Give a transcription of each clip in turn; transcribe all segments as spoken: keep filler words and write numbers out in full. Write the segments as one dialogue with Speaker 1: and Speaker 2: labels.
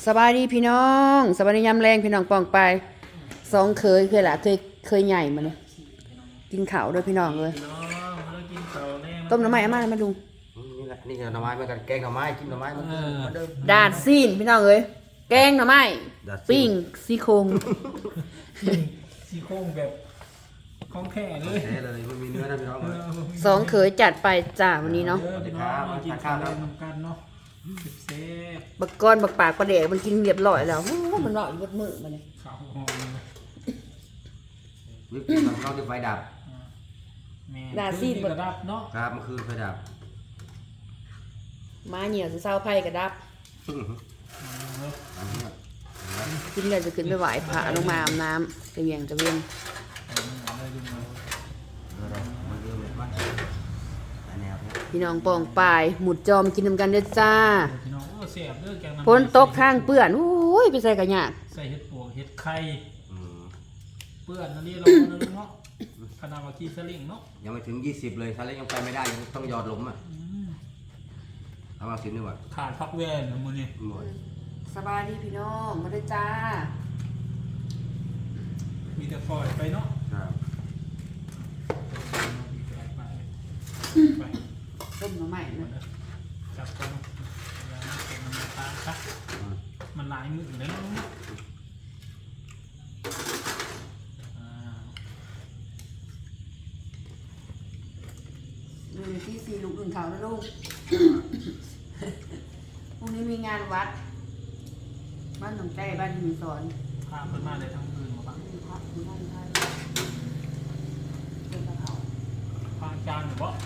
Speaker 1: สบายดีพี่น้องสบายดียามแรงพี่น้องปองไปสองเคยเคยละเคยเคยใหญ่มาเลยกินข้าวด้วยพี่น้องเลยต้มน้ำไม้อามามาดู
Speaker 2: นี่แหละนี่หน่อไม้เหมือนกันแกงหน่อไม้กินหน่อไม้เหมือนเดิม
Speaker 1: ดาดซีนพี่น้องเลยแกงหน่อไม้ปิ้งซี่โครง
Speaker 3: ซี่โครงแบบของแท้เลย
Speaker 2: แท้เลยไม่มีเนื้อนะพี่น้องเลย
Speaker 1: สองเคยจัดไปจ้าวันนี้เนาะ
Speaker 3: เด้อพี่น้องมากินข้าวด้วยนำกันเนาะเซฟ
Speaker 1: บักก้อนบักปากประเดกมันกินเรียบร้อยแล้วโอ้มันร้อยบดมือมันเนี่ย
Speaker 3: ข้าวหอม
Speaker 2: วิปครีมเราจะไฟดับ
Speaker 3: แม่กระดับเนาะ
Speaker 2: ครับเมื่อคืนไฟดับ
Speaker 1: ม้าเหนียวจะเศร้าไพ่กระดับ
Speaker 2: อันนี้
Speaker 1: กินเลยจะขึ้นไปไหวพระลงมาอาบน้ำจะเวียงจะเวียง
Speaker 2: มันเริ่มเลยว่าแนวนี้
Speaker 1: พี่น้องปองปายหมุดจอมกินนำกันเด้อจ้า
Speaker 3: พี่น้องโอ้เสียบเด้อแกง
Speaker 1: ฝนตกทางเปื้อนโอ้ยไปใส่กระยาก
Speaker 3: ใส่เห็ดปวกเห็ดไข่
Speaker 2: อืม
Speaker 3: เปื้อนนั่นนี่เราเนาะขนาดว่าขี้สลิงเนาะ
Speaker 2: ยังไม่ถึงยี่สิบเลยถ้าเล่นยังไปไม่ได้ยังต้องยอดล้มอ่ะทำมาสิบนี่หว่า
Speaker 3: ขาดพักแว่นมือนี่
Speaker 2: หมด
Speaker 1: สบายดีพี่น้องมาด้วยจ้า
Speaker 3: มีแต่ฟอยไปเนาะ
Speaker 2: ครับ
Speaker 3: ไป
Speaker 1: ต้มหน่อไม้นะ
Speaker 3: จับตัวมันตาครับมันลายมือเลยเนาะ
Speaker 1: ดูที่สี่ลูกอื่นเขานะลูก พรุ่งนี้มีงานวัด บ้านหนองใจบ้านหินสอน
Speaker 3: พาเพิ่นมาได้ทั้งคืนมาปะ
Speaker 1: มีพระมีบ้านไทยเป็นกระเขา
Speaker 3: พาจานหรือเปล่า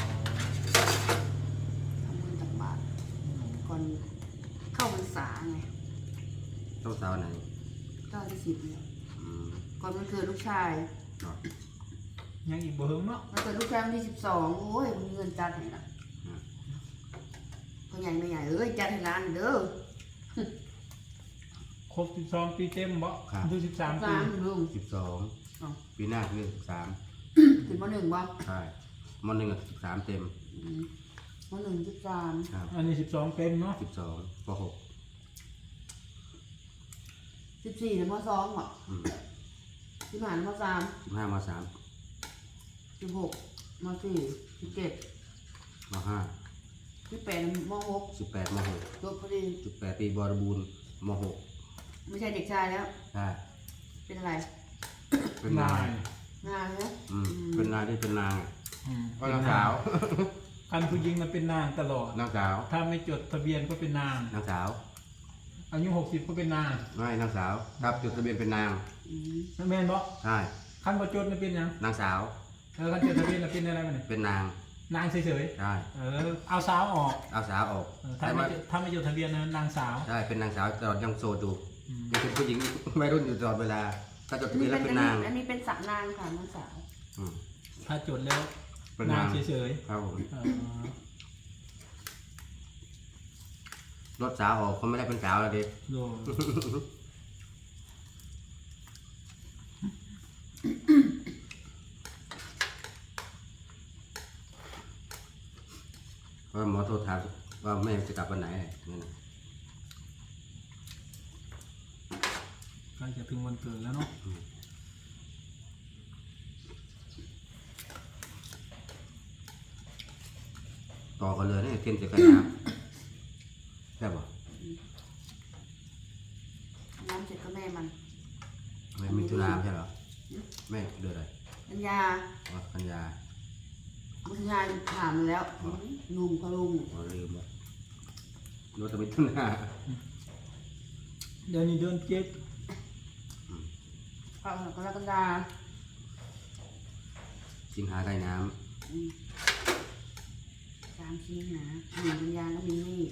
Speaker 1: ทำบุญตักบาตรก่อนเข้าพรรษาไง
Speaker 2: ต้องสาวไหน
Speaker 1: เก้าที่สิบเนี่ย
Speaker 2: อืม
Speaker 1: ก่อนมันเกิดลูกชาย
Speaker 2: เนาะ
Speaker 3: ยังอีกบ่เฮิงเนาะ
Speaker 1: มันเกิดลูกชายวันที่สิบสองโอ้ยมันมีเงินจัดให้ละพ่อใหญ่ไม่ใหญ่เอ้ยจัดให้ร้านเด้อ
Speaker 3: ครบสิบสองปีเต็มบ่อายุสิบสามปี
Speaker 1: สามลุง
Speaker 2: สิบสองปีหน้าคือสิบสาม
Speaker 1: ถึงมหนึ่งบ่
Speaker 2: ใช่มหนึ่งกับสิบสามเต็ม
Speaker 1: อืมมหนึ่งสิบสาม
Speaker 2: ครับ
Speaker 3: อันนี้สิบสองเต็มเนาะ
Speaker 2: สิบสองปหก
Speaker 1: สิบสี่ถึงมสองเหรอ
Speaker 2: อืม
Speaker 1: สิบห้าถึงมสาม
Speaker 2: สิบห้ามสาม
Speaker 1: สิบหกมสี่สิบเจ็ด
Speaker 2: มห้า
Speaker 1: สิบแปดมหก
Speaker 2: สิบแปดมหก
Speaker 1: จบพอดี
Speaker 2: สิบแปดปีบริบูรณ์มหก
Speaker 1: ไม่ใช่เด็กชายแล้ว
Speaker 2: ใช่
Speaker 1: เป็นอะไร
Speaker 2: เป็นนาย
Speaker 1: งานนะ
Speaker 2: อืมเป็นนายที่เป็นนาง
Speaker 3: อืม
Speaker 2: ก็นางสาว
Speaker 3: คันผู้หญิงมันเป็นนางตลอด
Speaker 2: นางสาว
Speaker 3: ถ้าไม่จดทะเบียนก็เป็นนาง
Speaker 2: นางสาว
Speaker 3: อายุหกสิบก็เป็นนาง
Speaker 2: ไม่นางสาวครับจดทะเบียนเป็นนาง
Speaker 1: อืม
Speaker 3: แม่นบ่
Speaker 2: ใช่
Speaker 3: คันบ่จดมันเป็นหยัง
Speaker 2: นางสาว
Speaker 3: เออคันจดทะเบียนมันเป็นอะไรมันเนี่ย
Speaker 2: เป็นนาง
Speaker 3: นางเฉย
Speaker 2: ใช่
Speaker 3: ๆเออเอาสาวออก
Speaker 2: เอาสาวออก
Speaker 3: เออถ้า
Speaker 2: แต่
Speaker 3: ไม่
Speaker 2: ว่า
Speaker 3: จดถ้าไม่จดทะเบียนนะนางสาว
Speaker 2: ใช่เป็นนางสาวตลอดยังโสดอยู่
Speaker 3: อืม
Speaker 2: ยังเป็นผู้หญิง ไม่รุ่นอยู่ตลอดเวลาถ้าจด
Speaker 1: อั
Speaker 2: ทะ
Speaker 1: น
Speaker 2: เบี
Speaker 1: นี้
Speaker 2: ยน
Speaker 1: เป็
Speaker 2: แล้ว
Speaker 1: น
Speaker 2: เป็นนาง
Speaker 1: อันนี้เป็นสระนางค่ะน้องสาว
Speaker 2: อืม
Speaker 3: ถ้าจดแล้ว
Speaker 2: เป็น
Speaker 3: นาน
Speaker 2: าง ง
Speaker 3: เฉย
Speaker 2: ครับผม
Speaker 3: ๆเออ
Speaker 2: รถสาวออกเขาไม่ได้เป็นสาวแล้วเด็ก
Speaker 3: โดน
Speaker 2: เพราะหมอโทรถามว่าแม่จะกลับวันไหนเนี่ยนะ
Speaker 3: ใกล้จะถึงวันเกิดแล้วเนาะ
Speaker 2: ต่อกันเลยเนี่ยเทียนจะกันน้ำใช่ป่ะ
Speaker 1: น้ำเสร็จก็แม่มัน
Speaker 2: ไม่มีธุระไม่ใช่เหรอแม่เดือดอะไร
Speaker 1: อัญญา
Speaker 2: อ๋อกัญญา
Speaker 1: บุญญาถามมันแล้วลุงเขาลุง
Speaker 2: อ๋อลืมแล้วรู้แต่มีธุระ
Speaker 3: เดือนนี้เดือนเจ็ด
Speaker 1: เขากรกฎา
Speaker 2: สิงหาใกล้น้
Speaker 1: อืมสามชิ้นนะหนึ่งบุญญาแล้วมินนี่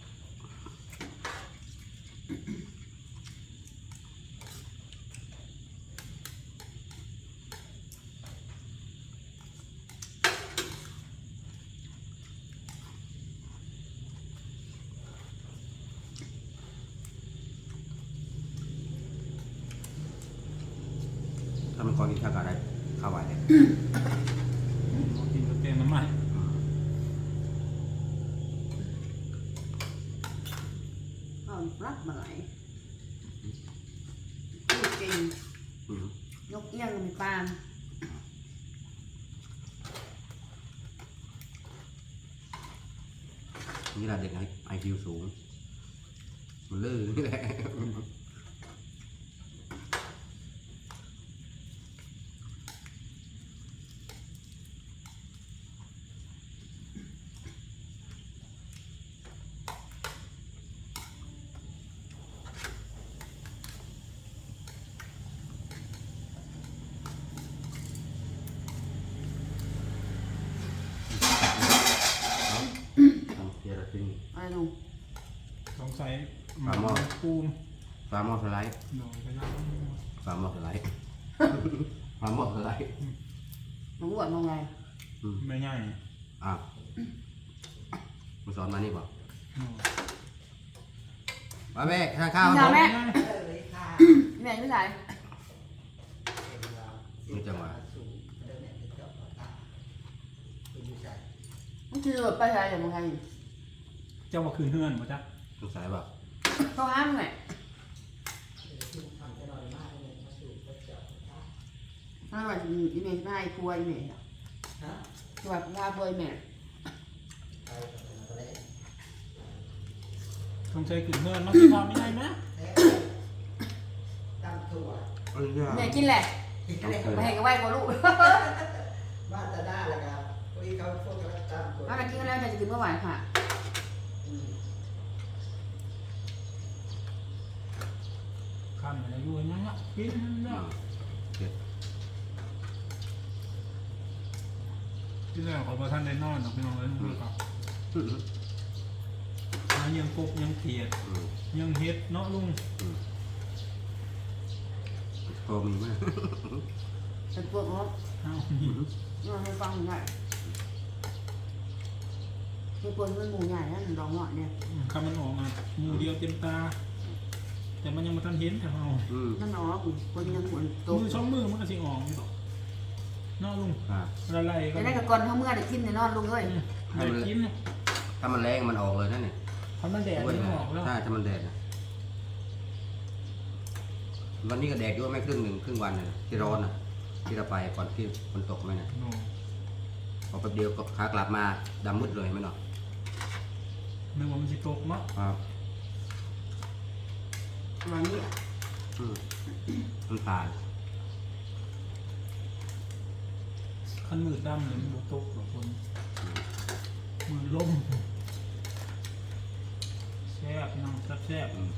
Speaker 2: ำถ้ามันก่อนกินข้าวกับอะไรข้าวไหวเลย
Speaker 3: กินกาแฟน้ำมัน
Speaker 2: อืม
Speaker 1: เอา
Speaker 3: อืม
Speaker 1: กระเพาะ
Speaker 3: อืม
Speaker 1: ปลา
Speaker 3: อืม
Speaker 1: เนาะ
Speaker 3: อืม
Speaker 1: อืม
Speaker 3: อืม
Speaker 1: เอาอนรับมาไหลพูดจริง
Speaker 2: อืม
Speaker 1: ยกเอี้ยงมีปาน
Speaker 2: นี่แหละเด็กไอไอคิวสูงมันลื่นนี่แหละเดี๋ยวเราทิ้ง
Speaker 1: อะไรลุง
Speaker 3: สงสัย
Speaker 2: ปลาหม้อ
Speaker 3: ปูม
Speaker 2: ฟาร์มอสไลด์
Speaker 3: หน่อยไปแล้ว
Speaker 2: ฟาร์มอสไลด์ฟาร์มอสไลด์
Speaker 1: มันอ้วนมองไง
Speaker 2: อืม
Speaker 3: ไม่ง่าย
Speaker 2: อ่ะมาสอนมานี่บอก
Speaker 3: หน่อย
Speaker 2: มาแม่ทานข้าว
Speaker 1: กิน
Speaker 2: ค
Speaker 1: ข้า
Speaker 2: รั
Speaker 1: ว
Speaker 2: บ
Speaker 1: แม่แม่ไม่ใส่
Speaker 2: นี่จังหวะ
Speaker 1: มันคือแบบไปใส่อย่างมองไง
Speaker 3: เจ้าว่าคืนเฮือนป่ะจ๊ะ
Speaker 2: สงสัยแบบ
Speaker 1: เขาห้ามไงถ้าว่าอีเมย์ได้ครัวอีเมย์คือแบบว่าครัวอีเมย์
Speaker 3: สงสัยคืนเฮือนมากินข้าวไม่ได้นะ
Speaker 2: เอ้ยเนี่ย
Speaker 1: เมย์กินแหละ
Speaker 2: ต้องเคย
Speaker 1: มาเห็นกับไหวกว่าลูก
Speaker 4: มาตาหน้าเลยครับวันนี้เขาพวกเขาตามคน
Speaker 1: ถ้ามากินแล้วจะกินเมื่อวานค่ะ
Speaker 3: ข้ามอะไรอยู่ยังอ่ะกิน
Speaker 2: อื
Speaker 3: เนาะ
Speaker 2: มเจ็ด
Speaker 3: ที่แรกขอประทานได้นอนหรอกพี่น้องเลยนะครับ
Speaker 2: อืม
Speaker 3: หายังกบยังเขียด
Speaker 2: อืม
Speaker 3: ยังเฮ็ดเนาะลุง
Speaker 2: อืมพอมีไหม
Speaker 1: เป็นพวกเขา
Speaker 3: เอา
Speaker 2: อืม
Speaker 1: เราให้ฟังหน่อยมีคนเป็นหมูใหญ่นั่นร้องหน่อยเนี่ย
Speaker 3: คำมันออกอ่ะหมูเดียวเต็มตา แต่มันยังไม่ทันเห็นแต่เอา
Speaker 2: อืม
Speaker 1: นั่นเนาะคนยังหมุนโต
Speaker 3: มือช่องมือมันก็สิออกอยู่ดอกเนาะลุง
Speaker 2: อ่ะ
Speaker 3: ละลายกั
Speaker 1: แต่
Speaker 3: น
Speaker 1: ได้กับก่อนเขาเมื่อได้กินในนอนลุงเลย
Speaker 3: อืมได้กิน
Speaker 2: ถ้ามันแรงมันออกเลยนั่นเนี่ย
Speaker 3: ทำมันแดดมันออกแล้ว
Speaker 2: ใช่ถ้ามันแดดนะวันนี้ก็แดดด้วยไม่ครึ่งหนึ่งครึ่งวันเลยที่ร้อนนะที่เราไปก่อนที่ฝนตกไหมนะ
Speaker 3: โน่
Speaker 2: พอแป๊บเดียวก็ขากลับมาดำมืดเลยไหมเนาะ
Speaker 3: นึกว่ามันสิตกเนาะ
Speaker 2: ครับ
Speaker 1: วันนี้
Speaker 2: อืมมันผ่าน
Speaker 3: คันมืดดำเลยมันบ่ตกหรอกคนมือล่มแซ่บพี่น้องแซ่บแซ่บ
Speaker 2: อืม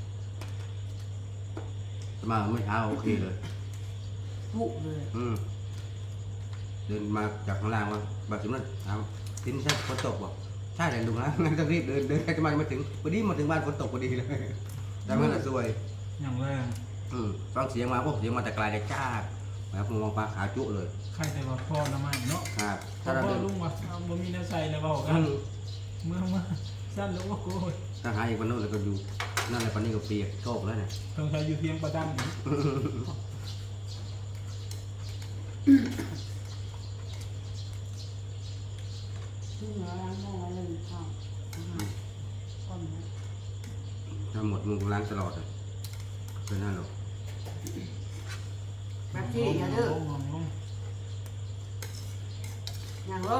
Speaker 2: สมาเมื่อเช้าโอเคเลย
Speaker 1: ผุเลย
Speaker 2: อืมเดินมาจากข้างล่างว่าบาดถึงนั้นถามทิ้นใช่ฝนตกบอกใช่แต่ลุงนะงั้นต้องรีบเดินเดินจะมามาถึงพอดีมาถึงบ้านฝนตกพอดีเลยแต่เมื่อนั้นสวย
Speaker 3: อย่างแรง
Speaker 2: อืมฟังเสียงมาพวกเสียงมาแต่ไกลแต่จ้าแบบมองปลาขาจุเลย
Speaker 3: ใครแต่ว่าพ่อละไม่เนาะ
Speaker 2: ครับ
Speaker 3: พ่
Speaker 2: ถ้าเรา
Speaker 3: อ
Speaker 2: เดิน
Speaker 3: ลุงว่าเอาบ่มีน้ำใส่แล้วเบากั
Speaker 2: อื
Speaker 3: น
Speaker 2: ม
Speaker 3: เมื่อเมื่อสั้นแล้วว่าโกย
Speaker 2: ถ้าหาอีกวันโน้นเราก็อยู่นั่นในปันนี้ก็เปียกโชกแล้วเนี่ย
Speaker 3: ต้องใช้อยู่เพียงประดันอีก
Speaker 1: ที่เหนือร้านมองอะไรเลยข้าวก้อนนะ
Speaker 2: ทั้งหมดมึงล้างตลอดเลยเป็นนั่นหรอก
Speaker 1: แบบที่อย่าดื้อ
Speaker 3: ลงลงลง
Speaker 1: อย่างลง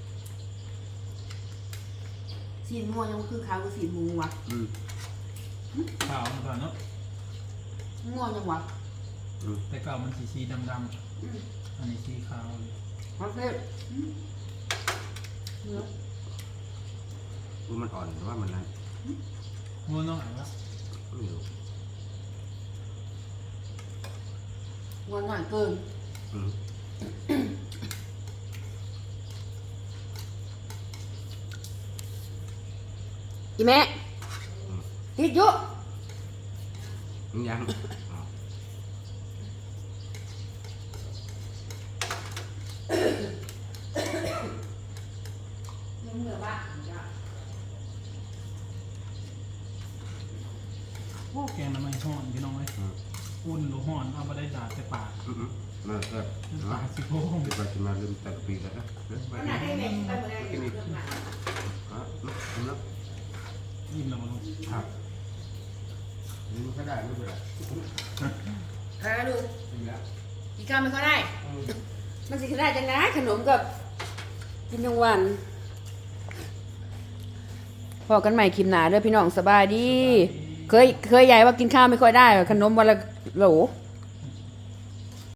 Speaker 1: สีม่วงยังคือขาวคือสีมูวะ
Speaker 2: อืม
Speaker 3: ข่าวมันก่อนเนาะ
Speaker 1: ม่วงยังวะ
Speaker 2: อืม
Speaker 3: แต่เก่ามันสีสีดำดำอันนี้สีขาวเลย
Speaker 1: โอเคเนื้อ
Speaker 2: ว่ามันอ่อนหรือว่ามันนั้น
Speaker 3: งัวน้องอ่ะวะ
Speaker 2: ไม่รู้
Speaker 1: ม่วงหน่อยเกิน
Speaker 2: อืม
Speaker 1: อีแม่ติดอยู่
Speaker 2: ยังยังอ๋อ
Speaker 1: เหนือบ้าน
Speaker 3: โอ้แกงน้ำมันห่อนพี่น้องเลย
Speaker 2: อืม
Speaker 3: อุ่นหรือห่อนเอามาได้ดาดแต่ปาก
Speaker 2: อืมอืมมาเถอะ
Speaker 3: ปากสิโค้ง
Speaker 2: เดี๋ยวไปกินมาลืมแต่ปีแล้วนะเดี๋ยวไป
Speaker 1: ขนาดได้แม่ไปหมดเลย
Speaker 2: กินอีกอ่ะอืมแล้ว
Speaker 3: ยิ้มแล้วมาลง
Speaker 2: ครับมันก็ได้ไม่เป็นไร
Speaker 1: เออดู
Speaker 2: นี่แล้ว
Speaker 1: กินข้าวไม่ค่อยได้
Speaker 2: อืม
Speaker 1: มันสิขึ้นได้จังนะขนมกับกินทั้งวันพอกันใหม่คลิปหนาเด้อพี่น้องสบายดี เคยเคยใหญ่ว่ากินข้าวไม่ค่อยได้ขนมวันละโหล
Speaker 3: เ